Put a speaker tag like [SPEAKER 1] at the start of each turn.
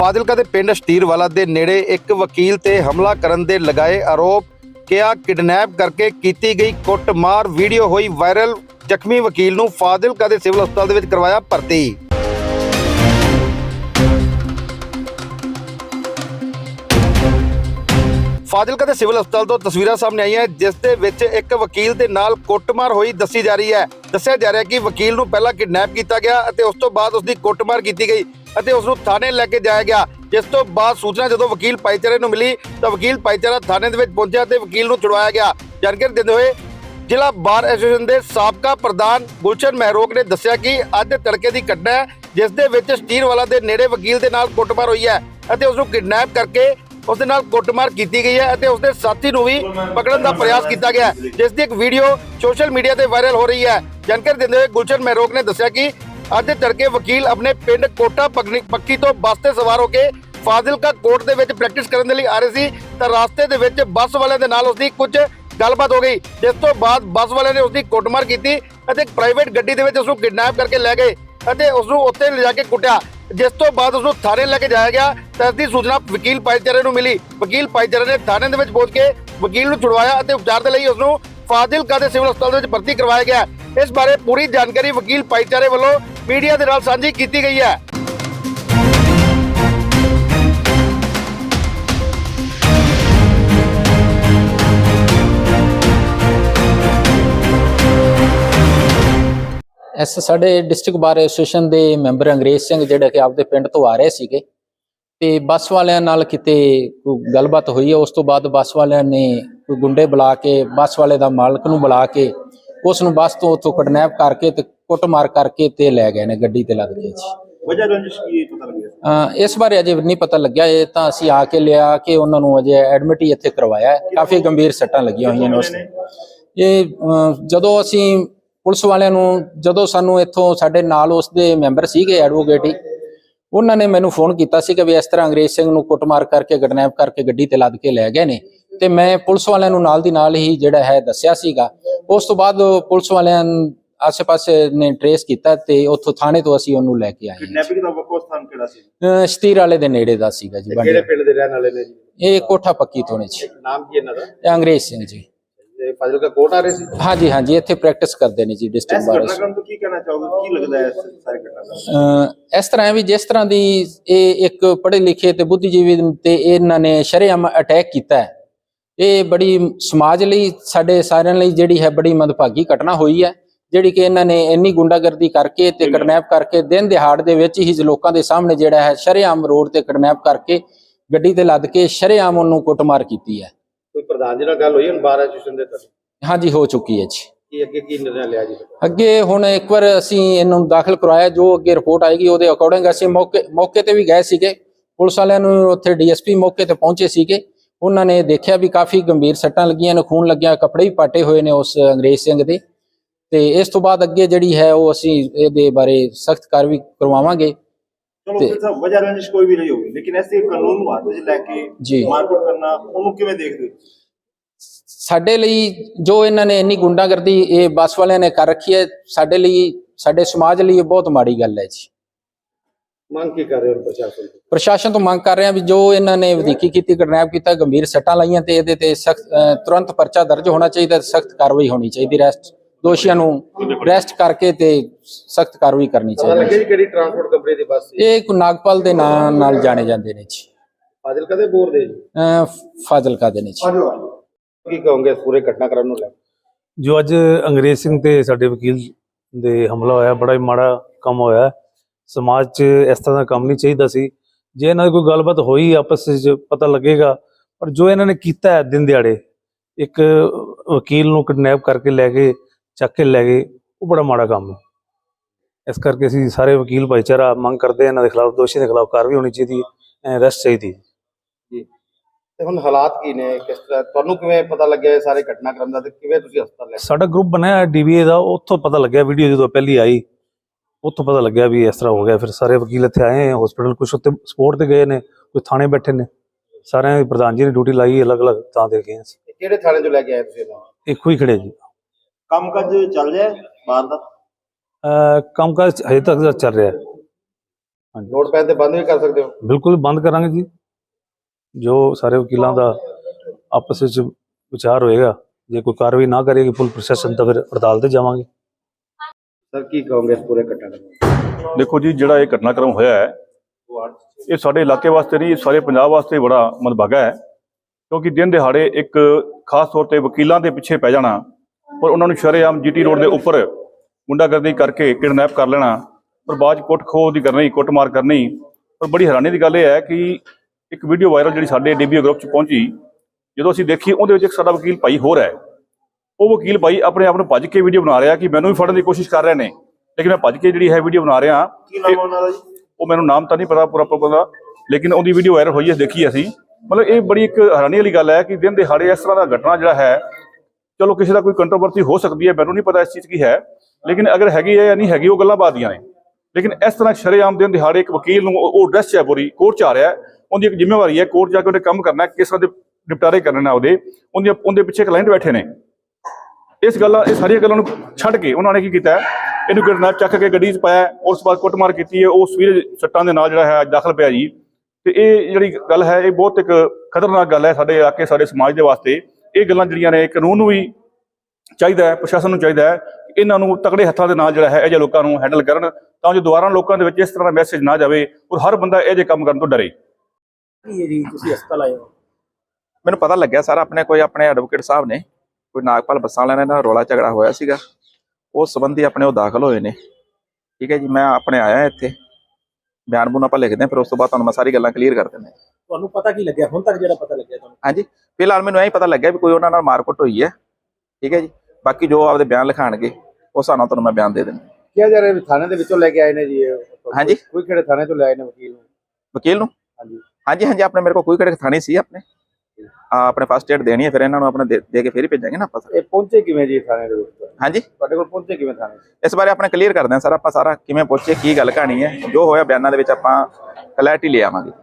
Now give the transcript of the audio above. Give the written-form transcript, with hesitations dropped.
[SPEAKER 1] ਫਾਜ਼ਿਲਕਾ ਦੇ ਪਿੰਡ ਸ਼ਤੀਰਵਾਲਾ ਦੇ ਨੇੜੇ ਇੱਕ ਵਕੀਲ ਤੇ ਹਮਲਾ ਕਰਨ ਦੇ ਲਗਾਏ ਆਰੋਪ। ਕਿਹਾ ਕਿਡਨੈਪ ਕਰਕੇ ਕੀਤੀ ਗਈ ਕੁੱਟਮਾਰ। ਵੀਡੀਓ ਹੋਈ ਵਾਇਰਲ। ਜ਼ਖਮੀ ਵਕੀਲ ਨੂੰ ਫਾਜ਼ਿਲਕਾ ਦੇ ਸਿਵਲ ਹਸਪਤਾਲ ਦੇ ਵਿੱਚ ਕਰਵਾਇਆ ਭਰਤੀ। ਫਾਜ਼ਿਲਕਾ ਦੇ ਸਿਵਲ ਹਸਪਤਾਲ ਤੋਂ ਤਸਵੀਰਾਂ ਸਾਹਮਣੇ ਆਈਆਂ ਜਿਸ ਦੇ ਵਿੱਚ ਇੱਕ ਵਕੀਲ ਦੇ ਨਾਲ ਕੁੱਟਮਾਰ ਹੋਈ ਦੱਸੀ ਜਾ ਰਹੀ ਹੈ। ਦੱਸਿਆ ਜਾ ਰਿਹਾ ਕਿ ਵਕੀਲ ਨੂੰ ਪਹਿਲਾਂ ਕਿਡਨੈਪ ਕੀਤਾ ਗਿਆ ਅਤੇ ਉਸ ਤੋਂ ਬਾਅਦ ਉਸ ਦੀ ਕੁੱਟਮਾਰ ਕੀਤੀ ਗਈ ਅਤੇ ਉਸ ਨੂੰ ਥਾਣੇ ਲੈ ਕੇ ਜਾਇਆ ਗਿਆ। ਜਿਸ ਤੋਂ ਬਾਅਦ ਸੂਚਨਾ ਜਦੋਂ ਵਕੀਲ ਭਾਈਚਾਰੇ ਨੂੰ ਮਿਲੀ ਤਾਂ ਵਕੀਲ ਭਾਈਚਾਰਾ ਥਾਣੇ ਦੇ ਵਿੱਚ ਪਹੁੰਚਿਆ ਤੇ ਵਕੀਲ ਨੂੰ ਛੁਡਵਾਇਆ ਗਿਆ। ਜਾਣਕਾਰੀ ਦਿੰਦੇ ਹੋਏ ਜ਼ਿਲ੍ਹਾ ਬਾਰ ਐਸੋਸੀਏਸ਼ਨ ਦੇ ਸਾਬਕਾ ਪ੍ਰਧਾਨ ਗੁਲਸ਼ਨ ਮਹਿਰੋਗ ਨੇ ਦੱਸਿਆ ਕਿ ਅੱਜ ਤੜਕੇ ਦੀ ਘਟਨਾ ਹੈ ਜਿਸ ਦੇ ਵਿੱਚ ਸ਼ਤੀਰਵਾਲਾ ਦੇ ਨੇੜੇ ਵਕੀਲ ਦੇ ਨਾਲ ਕੁੱਟਮਾਰ ਹੋਈ ਹੈ ਅਤੇ ਉਸ ਨੂੰ ਕਿਡਨੈਪ ਕਰਕੇ ਉਸ ਦੇ ਨਾਲ ਕੁੱਟਮਾਰ ਕੀਤੀ ਗਈ ਹੈ ਅਤੇ ਉਸ ਦੇ ਸਾਥੀ ਨੂੰ ਵੀ ਪਕੜਨ ਦਾ ਪ੍ਰਯਾਸ ਕੀਤਾ ਗਿਆ, ਜਿਸ ਦੀ ਇੱਕ ਵੀਡੀਓ ਸੋਸ਼ਲ ਮੀਡੀਆ ਤੇ ਵਾਇਰਲ ਹੋ ਰਹੀ ਹੈ। ਜਾਣਕਾਰੀ ਦਿੰਦੇ ਹੋਏ ਗੁਲਸ਼ਨ ਮਹਿਰੋਗ ਨੇ ਦੱਸਿਆ ਕਿ ਅੱਜ ਤੜਕੇ ਵਕੀਲ ਆਪਣੇ ਪਿੰਡ ਕੋਟਾ ਪੱਕੀ ਤੋਂ ਬੱਸ ਤੇ ਸਵਾਰ ਹੋ ਕੇ ਫਾਜ਼ਿਲਕਾ ਕੋਰਟ ਦੇ ਵਿੱਚ ਪ੍ਰੈਕਟਿਸ ਕਰਨ ਦੇ ਲਈ ਆ ਰਹੇ ਸੀ ਤਾਂ ਰਾਸਤੇ ਦੇ ਵਿੱਚ ਬੱਸ ਵਾਲਿਆਂ ਦੇ ਨਾਲ ਉਸਦੀ ਕੁਝ ਗੱਲਬਾਤ ਹੋ ਗਈ, ਜਿਸ ਤੋਂ ਬਾਅਦ ਬੱਸ ਵਾਲਿਆਂ ਨੇ ਉਸਦੀ ਕੁੱਟਮਾਰ ਕੀਤੀ ਅਤੇ ਇੱਕ ਪ੍ਰਾਈਵੇਟ ਗੱਡੀ ਦੇ ਵਿੱਚ ਉਸ ਨੂੰ ਕਿਡਨੈਪ ਕਰਕੇ ਲੈ ਗਏ ਅਤੇ ਉਸ ਨੂੰ ਉੱਥੇ ਲਿਜਾ ਕੇ ਕੁੱਟਿਆ। ਜਿਸ ਤੋਂ ਬਾਅਦ ਉਸ ਨੂੰ ਥਾਣੇ ਲੈ ਕੇ ਜਾਇਆ ਗਿਆ ਤਾਂ ਇਸ ਦੀ ਸੂਚਨਾ ਵਕੀਲ ਭਾਈਚਾਰੇ ਨੂੰ ਮਿਲੀ। ਵਕੀਲ ਭਾਈਚਾਰੇ ਨੇ ਥਾਣੇ ਦੇ ਵਿੱਚ ਪਹੁੰਚ ਕੇ ਵਕੀਲ ਨੂੰ ਛੁਡਵਾਇਆ ਅਤੇ ਉਪਚਾਰ ਦੇ ਲਈ ਉਸ ਨੂੰ ਫਾਜ਼ਿਲਕਾ ਦੇ ਸਿਵਲ ਹਸਪਤਾਲ ਦੇ ਵਿੱਚ ਭਰਤੀ ਕਰਵਾਇਆ ਗਿਆ। ਇਸ ਬਾਰੇ ਪੂਰੀ ਜਾਣਕਾਰੀ ਵਕੀਲ ਭਾਈਚਾਰੇ ਵੱਲੋਂ ਮੀਡੀਆ ਦੇ ਨਾਲ ਸਾਂਝੀ ਕੀਤੀ ਗਈ ਹੈ।
[SPEAKER 2] ਇਸ ਸਾਡੇ ਡਿਸਟ੍ਰਿਕਟ ਬਾਰ ਐਸੋਸੀਏਸ਼ਨ ਦੇ ਮੈਂਬਰ ਅੰਗਰੇਜ਼ ਸਿੰਘ ਜਿਹੜੇ ਕਿ ਆਪਦੇ ਪਿੰਡ ਤੋਂ ਆ ਰਹੇ ਸੀਗੇ ਤੇ ਬੱਸ ਵਾਲਿਆਂ ਨਾਲ ਕਿਤੇ ਕੋਈ ਗੱਲਬਾਤ ਹੋਈ ਹੈ। ਉਸ ਤੋਂ ਬਾਅਦ ਬੱਸ ਵਾਲਿਆਂ ਨੇ ਕੋਈ ਗੁੰਡੇ ਬੁਲਾ ਕੇ ਬੱਸ ਵਾਲੇ ਦਾ ਮਾਲਕ ਨੂੰ ਬੁਲਾ ਕੇ ਉਸ ਨੂੰ ਬੱਸ ਤੋਂ ਉੱਥੋਂ ਕਿਡਨੈਪ ਕਰਕੇ ਤੇ ਕੁੱਟਮਾਰ ਕਰਕੇ ਤੇ ਲੈ ਗਏ ਨੇ ਗੱਡੀ ਤੇ ਲੱਦ ਕੇ ਜੀ।
[SPEAKER 3] ਵਜ੍ਹਾ ਰੰਜਿਸ਼ ਕੀ ਪਤਾ ਲੱਗਿਆ?
[SPEAKER 2] ਇਸ ਬਾਰੇ ਅਜੇ ਨਹੀਂ ਪਤਾ ਲੱਗਿਆ। ਇਹ ਤਾਂ ਅਸੀਂ ਆ ਕੇ ਲਿਆ ਕਿ ਉਹਨਾਂ ਨੂੰ ਅਜੇ ਐਡਮਿਟ ਹੀ ਇੱਥੇ ਕਰਵਾਇਆ। ਕਾਫੀ ਗੰਭੀਰ ਸੱਟਾਂ ਲੱਗੀਆਂ ਹੋਈਆਂ ਨੇ ਉਸ ਤੇ। ਇਹ ਜਦੋਂ ਅਸੀਂ ਪੁਲਿਸ ਵਾਲਿਆਂ ਨੂੰ ਜਦੋਂ ਸਾਨੂੰ ਇੱਥੋਂ ਸਾਡੇ ਨਾਲ ਉਸ ਦੇ ਮੈਂਬਰ ਸੀਗੇ ਐਡਵੋਕੇਟ ਹੀ, ਉਹਨਾਂ ਨੇ ਮੈਨੂੰ ਫੋਨ ਕੀਤਾ ਸੀ ਕਿ ਵੀ ਇਸ ਤਰ੍ਹਾਂ ਅੰਗਰੇਜ਼ ਸਿੰਘ ਨੂੰ ਕੁੱਟਮਾਰ ਕਰਕੇ ਕਿਡਨੈਪ ਕਰਕੇ ਗੱਡੀ ਤੇ ਲੱਦ ਕੇ ਲੈ ਗਏ ਨੇ ਤੇ ਮੈਂ ਪੁਲਿਸ ਵਾਲਿਆਂ ਨੂੰ ਨਾਲ ਦੀ ਨਾਲ ਹੀ ਜਿਹੜਾ ਹੈ ਦੱਸਿਆ ਸੀਗਾ। ਉਸ ਤੋਂ ਬਾਅਦ ਪੁਲਿਸ ਵਾਲਿਆਂ ਆਸੇ-ਪਾਸੇ ਨੇ ਟ੍ਰੇਸ ਕੀਤਾ ਤੇ ਉੱਥੋਂ ਥਾਣੇ ਤੋਂ ਅਸੀਂ ਉਹਨੂੰ ਲੈ ਕੇ ਆਏ।
[SPEAKER 3] ਕਿਡਨੈਪਿੰਗ ਦਾ ਵੱਖੋ ਸਥਾਨ ਕਿਹੜਾ ਸੀ?
[SPEAKER 2] ਸ਼ਤੀਰਵਾਲੇ ਦੇ ਨੇੜੇ ਦਾ ਸੀਗਾ ਜੀ।
[SPEAKER 3] ਕਿਹੜੇ ਪਿੰਡ ਦੇ ਰਹਿਣ ਵਾਲੇ ਨੇ ਜੀ?
[SPEAKER 2] ਇਹ ਕੋਠਾ ਪੱਕੀ ਤੋਂ ਨੇ ਜੀ।
[SPEAKER 3] ਨਾਮ ਕੀ ਇਹਨਾਂ ਦਾ?
[SPEAKER 2] ਇਹ ਅੰਗਰੇਜ਼ ਸਿੰਘ ਜੀ।
[SPEAKER 3] ਤੇ ਫਾਜ਼ਿਲਕਾ ਕੋਰਟ ਆ ਰਹੇ ਸੀ?
[SPEAKER 2] ਹਾਂਜੀ ਹਾਂਜੀ, ਇੱਥੇ ਪ੍ਰੈਕਟਿਸ ਕਰਦੇ ਨੇ ਜੀ ਡਿਸਟ੍ਰਿਕਟ ਬਾਰ।
[SPEAKER 3] ਇਸ ਘਟਨਾਕ੍ਰਮ ਤੋਂ ਕੀ ਕਹਿਣਾ ਚਾਹੋਗੇ? ਕੀ ਲੱਗਦਾ ਹੈ ਇਸ ਸਾਰੇ ਘਟਨਾਕ੍ਰਮ?
[SPEAKER 2] ਇਸ ਤਰ੍ਹਾਂ ਹੈ ਵੀ ਜਿਸ ਤਰ੍ਹਾਂ ਦੀ ਇਹ ਇੱਕ ਪੜ੍ਹੇ ਲਿਖੇ ਤੇ ਬੁੱਧੀਜੀਵੀ ਤੇ ਇਹਨਾਂ ਨੇ ਸ਼ਰੇਆਮ ਅਟੈਕ ਕੀਤਾ ਹੈ, ਇਹ ਬੜੀ ਸਮਾਜ ਲਈ ਸਾਡੇ ਸਾਰਿਆਂ ਲਈ ਜਿਹੜੀ ਹੈ ਬੜੀ ਮੰਦਭਾਗੀ ਘਟਨਾ ਹੋਈ ਹੈ, ਜਿਹੜੀ ਕਿ ਇਹਨਾਂ ਨੇ ਇੰਨੀ ਗੁੰਡਾਗਰਦੀ ਕਰਕੇ ਤੇ ਕਿਡਨੈਪ ਕਰਕੇ ਦਿਨ ਦਿਹਾੜ ਦੇ ਵਿੱਚ ਹੀ ਲੋਕਾਂ ਦੇ ਸਾਹਮਣੇ ਜਿਹੜਾ ਹੈ ਸ਼ਰੇਆਮ ਰੋਡ ਤੇ ਕਿਡਨੈਪ ਕਰਕੇ ਗੱਡੀ ਤੇ ਲੱਦ ਕੇ ਸ਼ਰੇਆਮ ਉਹਨੂੰ ਕੁੱਟਮਾਰ ਕੀਤੀ ਹੈ।
[SPEAKER 3] ਕੋਈ ਪ੍ਰਧਾਨ ਜੀ ਨਾਲ ਗੱਲ ਹੋਈ ਹੁਣ ਬਾਰ ਐਸੋਸੀਏਸ਼ਨ ਦੇ ਤੱਕ?
[SPEAKER 2] ਹਾਂਜੀ, ਹੋ ਚੁੱਕੀ ਹੈ ਜੀ।
[SPEAKER 3] ਕੀ ਅੱਗੇ ਕੀ ਨਿਰਣਾ ਲਿਆ ਜੀ?
[SPEAKER 2] ਅੱਗੇ ਹੁਣ ਇੱਕ ਵਾਰ ਅਸੀਂ ਇਹਨੂੰ ਦਾਖਲ ਕਰਵਾਇਆ, ਜੋ ਅੱਗੇ ਰਿਪੋਰਟ ਆਏਗੀ ਉਹਦੇ ਅਕੋਰਡਿੰਗ ਅਸੀਂ ਮੌਕੇ ਤੇ ਵੀ ਗਏ ਸੀਗੇ। ਪੁਲਿਸ ਵਾਲਿਆਂ ਨੂੰ ਉੱਥੇ ਡੀਐਸਪੀ ਮੌਕੇ ਤੇ ਪਹੁੰਚੇ ਸੀਗੇ। ਉਹਨਾਂ ਨੇ ਦੇਖਿਆ ਵੀ ਕਾਫੀ ਗੰਭੀਰ ਸੱਟਾਂ ਲੱਗੀਆਂ ਨੇ, ਖੂਨ ਲੱਗਿਆ, ਕੱਪੜੇ ਵੀ ਪਾਟੇ ਹੋਏ ਨੇ ਉਸ ਅੰਗਰੇਜ਼ ਸਿੰਘ ਦੇ। ਤੇ ਇਸ ਤੋਂ ਬਾਅਦ ਅੱਗੇ ਜਿਹੜੀ ਹੈ ਉਹ ਅਸੀਂ ਇਹਦੇ ਬਾਰੇ ਸਖਤ ਕਾਰਵਾਈ ਕਰਵਾਵਾਂਗੇ।
[SPEAKER 3] ਚਲੋ ਫਿਰ ਤਾਂ ਵਜ੍ਹਾ ਰੰਜਿਸ਼ ਕੋਈ ਵੀ ਨਹੀਂ ਹੋਗੀ, ਲੇਕਿਨ ਐਸੇ ਕਾਨੂੰਨ ਨੂੰ ਹੱਥ 'ਚ ਲੈ ਕੇ ਮਾਰਕੁੱਟ ਕਰਨਾ ਉਹਨੂੰ ਕਿਵੇਂ ਦੇਖਦੇ ਹੋ?
[SPEAKER 2] ਸਾਡੇ ਲਈ ਜੋ ਇਹਨਾਂ ਨੇ ਇੰਨੀ ਗੁੰਡਾਗਰਦੀ ਇਹ ਬੱਸ ਵਾਲਿਆਂ ਨੇ ਕਰ ਰੱਖੀ ਹੈ, ਸਾਡੇ ਲਈ ਸਾਡੇ ਸਮਾਜ ਲਈ ਇਹ ਬਹੁਤ ਮਾੜੀ ਗੱਲ ਹੈ ਜੀ।
[SPEAKER 3] ਮੰਗ ਕੀ ਕਰ ਰਹੇ ਹੋ ਪ੍ਰਸ਼ਾਸਨ ਤੋਂ?
[SPEAKER 2] ਪ੍ਰਸ਼ਾਸਨ ਤੋਂ ਮੰਗ ਕਰ ਰਹੇ ਹਾਂ ਵੀ ਜੋ ਇਹਨਾਂ ਨੇ ਵਧੀਕੀ ਕੀਤੀ, ਕਿਡਨੈਪ ਕੀਤਾ, ਗੰਭੀਰ ਸੱਟਾਂ ਲਾਈਆਂ ਤੇ ਇਹਦੇ ਤੇ ਸਖਤ ਤੁਰੰਤ ਪਰਚਾ ਦਰਜ ਹੋਣਾ ਚਾਹੀਦਾ, ਸਖਤ ਕਾਰਵਾਈ ਹੋਣੀ ਚਾਹੀਦੀ। ਦੋਸ਼ੀਆਂ ਨੂੰ ਅਰੈਸਟ ਕਰਕੇ ਤੇ ਸਖਤ ਕਾਰਵਾਈ ਕਰਨੀ ਚਾਹੀਦੀ।
[SPEAKER 3] ਕਿਹੜੀ ਟਰਾਂਸਪੋਰਟ ਕੰਪਨੀ ਦੀ ਬੱਸ ਸੀ?
[SPEAKER 2] ਇਹ ਇੱਕ ਨਾਗਪਾਲ ਦੇ ਨਾਂ ਨਾਲ ਜਾਣੇ ਜਾਂਦੇ ਨੇ ਜੀ।
[SPEAKER 3] ਫਾਜ਼ਿਲਕਾ ਦੇ ਬੋਰ ਦੇ ਜੀ?
[SPEAKER 2] ਫਾਜ਼ਿਲਕਾ ਦੇ ਨੇ ਜੀ।
[SPEAKER 3] ਕੀ ਕਹੋਗੇ ਪੂਰੇ ਘਟਨਾਕ੍ਰਮ ਨੂੰ ਲੈ ਕੇ?
[SPEAKER 4] ਜੋ ਅੱਜ ਅੰਗਰੇਜ਼ ਸਿੰਘ ਤੇ ਸਾਡੇ ਵਕੀਲ ਦੇ ਹਮਲਾ ਹੋਇਆ, ਬੜਾ ਹੀ ਮਾੜਾ ਕੰਮ ਹੋਇਆ। ਸਮਾਜ 'ਚ ਇਸ ਤਰ੍ਹਾਂ ਦਾ ਕੰਮ ਨਹੀਂ ਚਾਹੀਦਾ ਸੀ। ਜੇ ਇਹਨਾਂ ਦੀ ਕੋਈ ਗੱਲਬਾਤ ਹੋਈ ਆਪਸ ਵਿੱਚ ਪਤਾ ਲੱਗੇਗਾ, ਪਰ ਜੋ ਇਹਨਾਂ ਨੇ ਕੀਤਾ ਹੈ ਦਿਨ ਦਿਹਾੜੇ ਇੱਕ ਵਕੀਲ ਨੂੰ ਕਿਡਨੈਪ ਕਰਕੇ ਲੈ ਕੇ ਚੱਕ ਕੇ ਲੈ ਗਏ, ਉਹ ਬੜਾ ਮਾੜਾ ਕੰਮ ਹੈ। ਇਸ ਕਰਕੇ ਅਸੀਂ ਸਾਰੇ ਵਕੀਲ ਭਾਈਚਾਰਾ ਮੰਗ ਕਰਦੇ ਇਹਨਾਂ ਦੇ ਖਿਲਾਫ, ਦੋਸ਼ੀਆਂ ਦੇ ਖਿਲਾਫ ਕਾਰਵਾਈ ਹੋਣੀ ਚਾਹੀਦੀ ਹੈ, ਅਰੈਸਟ ਚਾਹੀਦੀ ਜੀ।
[SPEAKER 3] ਤੇ ਹੁਣ ਹਾਲਾਤ ਕੀ ਨੇ, ਕਿਸ ਤਰ੍ਹਾਂ ਤੁਹਾਨੂੰ ਕਿਵੇਂ ਪਤਾ ਲੱਗਿਆ ਸਾਰੇ ਘਟਨਾਕ੍ਰਮ ਦਾ ਤੇ ਕਿਵੇਂ ਤੁਸੀਂ ਹਸਪਤਾਲ ਲੈ?
[SPEAKER 4] ਸਾਡਾ ਗਰੁੱਪ ਬਣਿਆ DBA ਦਾ, ਉੱਥੋਂ ਪਤਾ ਲੱਗਿਆ, ਵੀਡੀਓ ਜਦੋਂ ਪਹਿਲੀ ਆਈ ਉੱਥੋਂ ਪਤਾ ਲੱਗਿਆ ਵੀ ਇਸ ਤਰ੍ਹਾਂ ਹੋ ਗਿਆ। ਫਿਰ ਸਾਰੇ ਵਕੀਲ ਇੱਥੇ ਆਏ हैं ਹਸਪੀਟਲ, ਕੁਛ ਉੱਤੇ ਸਪੋਰਟ ਤੇ ਗਏ ਨੇ, ਕੋਈ ਥਾਣੇ ਬੈਠੇ ਨੇ। ਸਾਰਿਆਂ ਦੀ ਪ੍ਰਧਾਨ ਜੀ ਨੇ ਡਿਊਟੀ ਲਾਈ, ਅਲੱਗ-ਅਲੱਗ ਥਾਂ ਤੇ ਗਏ।
[SPEAKER 3] ਕਿਹੜੇ ਥਾਣੇ ਤੋਂ ਲੈ ਕੇ ਆਏ ਤੁਸੀਂ?
[SPEAKER 4] ਇੱਕੋ ਹੀ ਖੜੇ ਜੀ।
[SPEAKER 3] ਕੰਮਕਾਜ ਚੱਲ ਰਿਹਾ ਬਾਹਰ ਦਾ?
[SPEAKER 4] ਕੰਮਕਾਜ ਹਜੇ ਤੱਕ ਚੱਲ ਰਿਹਾ। ਹਾਂਜੀ
[SPEAKER 1] ਲੋੜ ਪੈਣ ਤੇ ਬੰਦ ਵੀ ਕਰ ਸਕਦੇ ਹੋ?
[SPEAKER 4] ਬਿਲਕੁਲ ਬੰਦ ਕਰਾਂਗੇ ਜੀ। ਜੋ ਸਾਰੇ ਵਕੀਲਾਂ ਦਾ ਆਪਸ ਵਿੱਚ ਵਿਚਾਰ ਹੋਏਗਾ, ਜੇ ਕੋਈ ਕਾਰਵਾਈ ਨਾ ਕਰੇਗੀ ਪੁਲਿਸ ਪ੍ਰਸ਼ਾਸਨ ਤਾਂ ਫਿਰ ਹੜਤਾਲ ਤੇ ਜਾਵਾਂਗੇ।
[SPEAKER 1] ਸਰ ਕੀ ਕਹੋਗੇ ਇਸ ਪੂਰੇ ਘਟਨਾਕ੍ਰਮ?
[SPEAKER 5] ਦੇਖੋ ਜੀ, ਜਿਹੜਾ ਇਹ ਘਟਨਾਕ੍ਰਮ ਹੋਇਆ ਹੈ ਇਹ ਸਾਡੇ ਇਲਾਕੇ ਵਾਸਤੇ ਨਹੀਂ, ਸਾਰੇ ਪੰਜਾਬ ਵਾਸਤੇ ਬੜਾ ਮੰਦਭਾਗਾ ਹੈ। ਕਿਉਂਕਿ ਦਿਨ ਦਿਹਾੜੇ ਇੱਕ ਖਾਸ ਤੌਰ ਤੇ ਵਕੀਲਾਂ ਦੇ ਪਿੱਛੇ ਪੈ ਜਾਣਾ ਔਰ ਉਹਨਾਂ ਨੂੰ ਸ਼ਰੇਆਮ ਜੀਟੀ ਰੋਡ ਦੇ ਉੱਪਰ ਗੁੰਡਾਗਰਦੀ ਕਰਕੇ ਕਿਡਨੈਪ ਕਰ ਲੈਣਾ ਔਰ ਬਾਅਦ 'ਚ ਕੁੱਟ ਖੋਹ ਦੀ ਕਰਨੀ, ਕੁੱਟਮਾਰ ਕਰਨੀ। ਔਰ ਬੜੀ ਹੈਰਾਨੀ ਦੀ ਗੱਲ ਇਹ ਹੈ ਕਿ ਇੱਕ ਵੀਡੀਓ ਵਾਇਰਲ ਜਿਹੜੀ ਸਾਡੇ DBO ਗਰੁੱਪ 'ਚ ਪਹੁੰਚੀ, ਜਦੋਂ ਅਸੀਂ ਦੇਖੀ ਉਹਦੇ ਵਿੱਚ ਇੱਕ ਸਾਡਾ ਵਕੀਲ ਭਾਈ ਹੋਰ ਹੈ। ਉਹ ਵਕੀਲ ਭਾਈ ਆਪਣੇ ਆਪ ਨੂੰ ਭੱਜ ਕੇ ਵੀਡੀਓ ਬਣਾ ਰਿਹਾ ਕਿ ਮੈਨੂੰ ਵੀ ਫੜਨ ਦੀ ਕੋਸ਼ਿਸ਼ ਕਰ ਰਹੇ ਨੇ, ਲੇਕਿਨ ਮੈਂ ਭੱਜ ਕੇ ਜਿਹੜੀ ਹੈ ਵੀਡੀਓ ਬਣਾ ਰਿਹਾ।
[SPEAKER 3] ਕੀ ਨਾਮ ਹੈ ਉਹਨਾਂ ਦਾ ਜੀ?
[SPEAKER 5] ਉਹ ਮੈਨੂੰ ਨਾਮ ਤਾਂ ਨਹੀਂ ਪਤਾ ਪੂਰਾ ਪਤਾ, ਲੇਕਿਨ ਉਹਦੀ ਵੀਡੀਓ ਵਾਇਰਲ ਹੋਈ ਹੈ, ਦੇਖੀ ਅਸੀਂ। ਮਤਲਬ ਇਹ ਬੜੀ ਇੱਕ ਹੈਰਾਨੀ ਵਾਲੀ ਗੱਲ ਹੈ ਕਿ ਦਿਨ ਦਿਹਾੜੇ ਇਸ ਤਰ੍ਹਾਂ ਦਾ ਘਟਨਾ ਜਿਹੜਾ ਹੈ, ਚਲੋ ਕਿਸੇ ਦਾ ਕੋਈ ਕੰਟਰੋਵਰਸੀ ਹੋ ਸਕਦੀ ਹੈ, ਮੈਨੂੰ ਨਹੀਂ ਪਤਾ ਇਸ ਚੀਜ਼ ਕੀ ਹੈ, ਲੇਕਿਨ ਅਗਰ ਹੈਗੀ ਹੈ ਜਾਂ ਨਹੀਂ ਹੈਗੀ ਉਹ ਗੱਲਾਂ ਬਾਤ ਦੀਆਂ ਨੇ। ਲੇਕਿਨ ਇਸ ਤਰ੍ਹਾਂ ਸ਼ਰੇਆਮ ਦਿਨ ਦਿਹਾੜੇ ਇੱਕ ਵਕੀਲ ਨੂੰ ਉਹ ਡਰੈਸ 'ਚ ਹੈ ਪੂਰੀ, ਕੋਰਟ 'ਚ ਆ ਰਿਹਾ, ਉਹਦੀ ਇੱਕ ਜ਼ਿੰਮੇਵਾਰੀ ਹੈ ਕੋਰਟ ਜਾ ਕੇ ਉਹਨੇ ਕੰਮ ਕਰਨਾ, ਕਿਸ ਤਰ੍ਹਾਂ ਦੇ ਨਿਪਟਾਰੇ ਕਰਨੇ ਨੇ ਉਹਦੇ ਪਿੱਛੇ ਕਲਾਇੰਟ ਬੈਠੇ ਨੇ। ਇਹ ਸਾਰੀਆਂ ਗੱਲਾਂ ਨੂੰ ਛੱਡ ਕੇ ਉਹਨਾਂ ਨੇ ਕੀ ਕੀਤਾ, ਇਹਨੂੰ ਕਿਡਨੈਪ ਚੱਕ ਕੇ ਗੱਡੀ 'ਚ ਪਾਇਆ, ਉਸ ਤੋਂ ਬਾਅਦ ਕੁੱਟਮਾਰ ਕੀਤੀ ਹੈ, ਉਹ ਸਵੇਰੇ ਸੱਟਾਂ ਦੇ ਨਾਲ ਜਿਹੜਾ ਹੈ ਦਾਖਲ ਪਿਆ ਜੀ। ਤੇ ਇਹ ਜਿਹੜੀ ਗੱਲ ਹੈ ਇਹ ਬਹੁਤ ਇੱਕ ਖਤਰਨਾਕ ਗੱਲ ਹੈ ਸਾਡੇ ਇਲਾਕੇ, ਸਾਡੇ ਸਮਾਜ ਦੇ ਵਾਸਤੇ। ਇਹ ਗੱਲਾਂ ਜਿਹੜੀਆਂ ਨੇ ਕਾਨੂੰਨ ਨੂੰ ਵੀ ਚਾਹੀਦਾ ਹੈ, ਪ੍ਰਸ਼ਾਸਨ ਨੂੰ ਚਾਹੀਦਾ ਹੈ ਕਿ ਇਹਨਾਂ ਨੂੰ ਤਕੜੇ ਹੱਥਾਂ ਦੇ ਨਾਲ ਜਿਹੜਾ ਹੈ ਇਹ ਜਿਹੇ ਲੋਕਾਂ ਨੂੰ ਹੈਂਡਲ ਕਰਨ, ਤਾਂ ਜੋ ਦੁਬਾਰਾ ਲੋਕਾਂ ਦੇ ਵਿੱਚ ਇਸ ਤਰ੍ਹਾਂ ਦਾ ਮੈਸੇਜ ਨਾ ਜਾਵੇ ਔਰ ਹਰ ਬੰਦਾ ਇਹ ਜਿਹੇ ਕੰਮ ਕਰਨ ਤੋਂ ਡਰੇ।
[SPEAKER 3] ਤੁਸੀਂ ਹਸਪਤਾਲ ਆਏ ਹੋ?
[SPEAKER 6] ਮੈਨੂੰ ਪਤਾ ਲੱਗਿਆ ਸਰ, ਆਪਣੇ ਐਡਵੋਕੇਟ ਸਾਹਿਬ ਨੇ ਕੋਈ ਨਾਗਪਾਲ ਬੱਸਾਂ ਵਾਲਿਆਂ ਨਾਲ ਰੌਲਾ ਝਗੜਾ ਹੋਇਆ ਸੀਗਾ, ਉਸ ਸੰਬੰਧੀ ਆਪਣੇ ਉਹ ਦਾਖਲ ਹੋਏ ਨੇ। ਠੀਕ ਹੈ ਜੀ, ਮੈਂ ਆਪਣੇ ਆਇਆ ਇੱਥੇ, ਬਿਆਨ ਬੂਨ ਆਪਾਂ ਲਿਖਦੇ ਹਾਂ, ਫਿਰ ਉਸ ਤੋਂ ਬਾਅਦ ਤੁਹਾਨੂੰ ਮੈਂ ਸਾਰੀ ਗੱਲਾਂ ਕਲੀਅਰ ਕਰ ਦਿੰਦਾ।
[SPEAKER 3] ਤੁਹਾਨੂੰ ਪਤਾ ਕੀ ਲੱਗਿਆ ਹੁਣ ਤੱਕ, ਜਿਹੜਾ ਪਤਾ ਲੱਗਿਆ ਤੁਹਾਨੂੰ?
[SPEAKER 6] ਹਾਂਜੀ, ਫਿਲਹਾਲ ਮੈਨੂੰ ਇਹ ਪਤਾ ਲੱਗਿਆ ਵੀ ਕੋਈ ਉਹਨਾਂ ਨਾਲ ਮਾਰਕੁੱਟ ਹੋਈ ਹੈ। ਠੀਕ ਹੈ ਜੀ, ਬਾਕੀ ਜੋ ਆਪਦੇ ਬਿਆਨ ਲਿਖਾਣਗੇ ਉਸ ਹਿਸਾਬ ਨਾਲ ਤੁਹਾਨੂੰ ਮੈਂ ਬਿਆਨ ਦੇ ਦੇਣਾ।
[SPEAKER 1] ਕਿਹਾ ਜਾ ਰਿਹਾ ਥਾਣੇ ਦੇ ਵਿੱਚੋਂ ਲੈ ਕੇ ਆਏ ਨੇ ਜੀ ਇਹ?
[SPEAKER 6] ਹਾਂਜੀ,
[SPEAKER 1] ਕੋਈ ਕਿਹੜੇ ਥਾਣੇ ਤੋਂ ਲੈ ਆਏ ਨੇ ਵਕੀਲ ਨੂੰ?
[SPEAKER 6] ਹਾਂਜੀ, ਆਪਣੇ ਮੇਰੇ ਕੋਲ ਕੋਈ ਕਿਹੜੇ ਥਾਣੇ ਸੀ, ਆਪਣੇ ਫਸਟ ਏਡ ਦੇਣੀ ਹੈ, ਫਿਰ ਇਹਨਾਂ ਨੂੰ ਆਪਣੇ ਦੇ ਕੇ ਫਿਰ ਹੀ ਭੇਜਾਂਗੇ ਨਾ ਆਪਾਂ।
[SPEAKER 1] ਇਹ ਪਹੁੰਚੇ ਕਿਵੇਂ ਜੀ ਥਾਣੇ ਦੇ ਵਿੱਚ?
[SPEAKER 6] ਹਾਂਜੀ,
[SPEAKER 1] ਤੁਹਾਡੇ ਕੋਲ ਪਹੁੰਚੇ ਕਿਵੇਂ ਥਾਣੇ?
[SPEAKER 6] ਇਸ ਬਾਰੇ ਆਪਣੇ ਕਲੀਅਰ ਕਰਦੇ ਹਾਂ ਸਰ, ਆਪਾਂ ਸਾਰਾ ਕਿਵੇਂ ਪਹੁੰਚੇ, ਕੀ ਗੱਲ ਕਹਾਣੀ ਹੈ, ਜੋ ਹੋਇਆ ਬਿਆਨਾਂ ਦੇ ਵਿੱਚ ਆਪਾਂ ਕਲੈਰਿਟੀ ਲੈ ਆਵਾਂਗੇ।